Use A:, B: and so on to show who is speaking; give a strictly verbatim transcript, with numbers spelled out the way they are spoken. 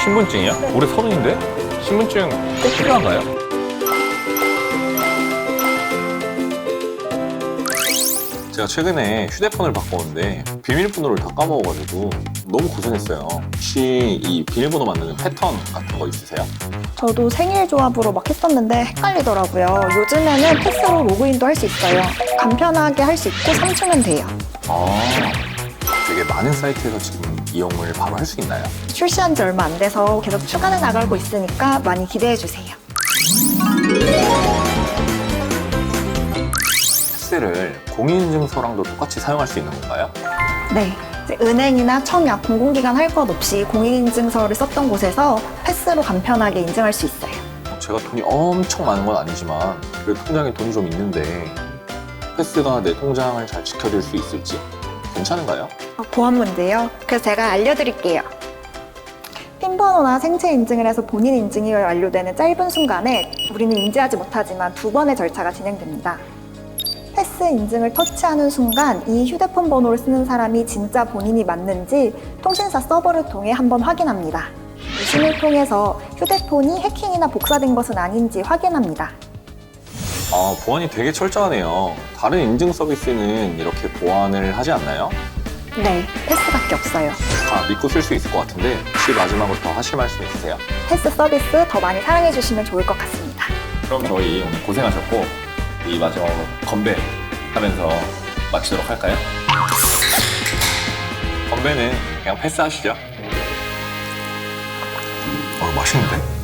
A: 신분증이요?
B: 네.
A: 올해 서른인데? 신분증 꼭 필요한가요? 제가 최근에 휴대폰을 바꿨는데 비밀번호를 다 까먹어가지고 너무 고생했어요. 혹시 이 비밀번호 만드는 패턴 같은 거 있으세요?
B: 저도 생일 조합으로 막 했었는데 헷갈리더라고요. 요즘에는 패스로 로그인도 할 수 있어요. 간편하게 할 수 있고 삼 초면 돼요.
A: 아, 되게 많은 사이트에서 지금 이용을 바로 할 수 있나요?
B: 출시한 지 얼마 안 돼서 계속 추가해 나가고 있으니까 많이 기대해 주세요.
A: 패스를 공인인증서랑도 똑같이 사용할 수 있는 건가요?
B: 네. 이제 은행이나 청약, 공공기관 할 것 없이 공인인증서를 썼던 곳에서 패스로 간편하게 인증할 수 있어요.
A: 제가 돈이 엄청 많은 건 아니지만 그래도 통장에 돈이 좀 있는데 패스가 내 통장을 잘 지켜줄 수 있을지 괜찮은가요?
B: 어, 보안 문제요? 그래서 제가 알려드릴게요. 핀번호나 생체 인증을 해서 본인 인증이 완료되는 짧은 순간에 우리는 인지하지 못하지만 두 번의 절차가 진행됩니다. 패스 인증을 터치하는 순간 이 휴대폰 번호를 쓰는 사람이 진짜 본인이 맞는지 통신사 서버를 통해 한번 확인합니다. 이 신을 통해서 휴대폰이 해킹이나 복사된 것은 아닌지 확인합니다.
A: 아, 보안이 되게 철저하네요. 다른 인증 서비스는 이렇게 보안을 하지 않나요?
B: 네, 패스밖에 없어요.
A: 다 믿고 쓸 수 있을 것 같은데 혹시 마지막으로 더 하실 말씀 있으세요?
B: 패스 서비스 더 많이 사랑해 주시면 좋을 것 같습니다.
A: 그럼 저희 오늘 고생하셨고 이 마지막으로 건배 하면서 마치도록 할까요? 건배는 그냥 패스하시죠. 어, 맛있는데?